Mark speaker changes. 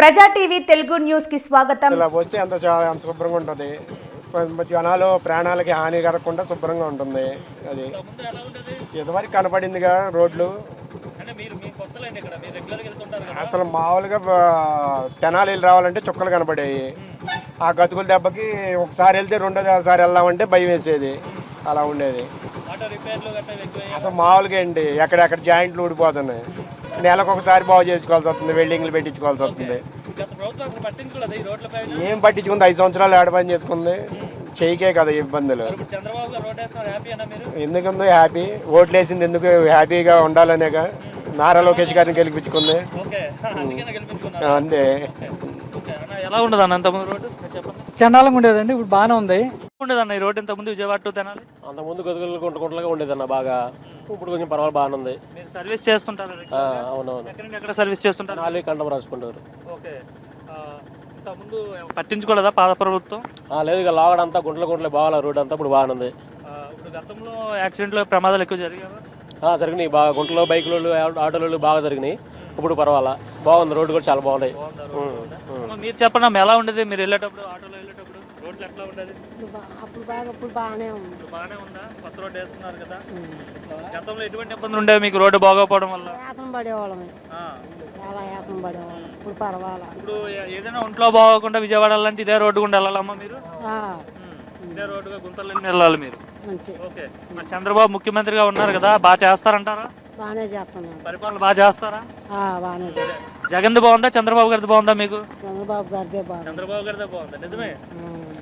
Speaker 1: ప్రజా TV Telugu news కి స్వాగతం.
Speaker 2: ఇలా వస్తే అంత శుభ్రంగా ఉంటుంది. జనాలు ప్రాణాలకి హాని కలగకుండా శుభ్రంగా ఉంటుంది. అది ఇదివరకు కనపడిందిగా రోడ్లు. అసలు మామూలుగా తెనాలి రావాలంటే చుక్కలు కనపడేవి. ఆ గతుకుల దెబ్బకి ఒకసారి వెళ్తే రెండోసారి వెళ్దామంటే భయం వేసేది. అలా ఉండేది. అసలు మామూలుగా అండి ఎక్కడెక్కడ జాయింట్లు ఊడిపోతున్నాయి. నెలకు ఒకసారి బాగు చేసుకోవాల్సి వస్తుంది, వెల్డింగ్లు పెట్టించుకోవాల్సి వస్తుంది. ఏం పట్టించుకుంది? 5 సంవత్సరాలు ఏడ పని చేసుకుంది, చేయకే కదా ఇబ్బందులు. ఎందుకుందో హ్యాపీ, ఓట్లు వేసింది ఎందుకు హ్యాపీగా ఉండాలనేగా. నారా లోకేష్ గారిని గెలిపించుకుంది అంతే.
Speaker 3: ఎలా ఉండదు అన్న అంతకుముందు రోడ్డు?
Speaker 4: చండాలంగా ఉండేదండి, ఇప్పుడు బాగానే ఉంది.
Speaker 3: ఉండదన్న ఈ రోడ్డు ఇంతకుముందు విజయవాడ టు తెనాలి?
Speaker 5: అంతకుముందు గదుగులు గుంటలాగా ఉండేదన్న బాగా. ఇప్పుడు కొంచెం పర్వాలేదు, బాగానే ఉంది.
Speaker 3: మీరు సర్వీస్ చేస్తుంటారు?
Speaker 5: అవునవును.
Speaker 3: ఎక్కడ సర్వీస్ చేస్తుంటారు?
Speaker 5: నాలుగు కండం రాసుకుంటారు.
Speaker 3: ఓకే. ఇంతకుముందు పట్టించుకోలేదా పాత ప్రభుత్వం?
Speaker 5: లేదు, ఇక లాగడంతా గుంటలు బాగా రోడ్డు అంతా ఇప్పుడు బాగానే ఉంది.
Speaker 3: ఇప్పుడు గతంలో యాక్సిడెంట్లు ప్రమాదాలు ఎక్కువ జరిగాయి.
Speaker 5: జరిగినాయి బాగా, గుంటలో బైకులు ఆటోలు బాగా జరిగినాయి. ఇప్పుడు పర్వాలా, బాగుంది. రోడ్డు కూడా చాలా బాగున్నాయి.
Speaker 3: మీరు చెప్పండి ఎలా ఉండేది మీరు వెళ్ళేటప్పుడు, ఆటోలో వెళ్ళేటప్పుడు రోడ్లు ఎట్లా ఉండేది?
Speaker 6: ఇప్పుడు బాగానే ఉంది.
Speaker 3: బాగానే ఉందా? కొత్త రోడ్డు వేస్తున్నారు కదా. గతంలో ఎటువంటి ఇబ్బందులు ఉండేవి మీకు రోడ్డు బాగోపోవడం వల్ల?
Speaker 6: యాతం పడేవాళ్ళమే, చాలా యాతం పడేవాళ్ళం. ఇప్పుడు పర్వాలా.
Speaker 3: ఇప్పుడు ఏదైనా ఒంట్లో బాగోకుండా విజయవాడ వెళ్ళాలంటే ఇదే రోడ్డు గుండా వెళ్ళాలమ్మా మీరు? ఇదే రోడ్డుగా గుంతలన్నీ వెళ్ళాలి మీరు. ఓకే. మరి చంద్రబాబు ముఖ్యమంత్రిగా ఉన్నారు కదా, బాగా చేస్తారంటారా?
Speaker 6: బాగానే చేస్తున్నాం.
Speaker 3: పరిపాలన బాగా చేస్తారా?
Speaker 6: బాగానే చేస్తాం.
Speaker 3: జగన్ది బాగుందా, చంద్రబాబు గారిది బాగుందా మీకు?
Speaker 6: చంద్రబాబు గారిదే బాగుంది.
Speaker 3: చంద్రబాబు గారిదే బాగుందా? నిజమే.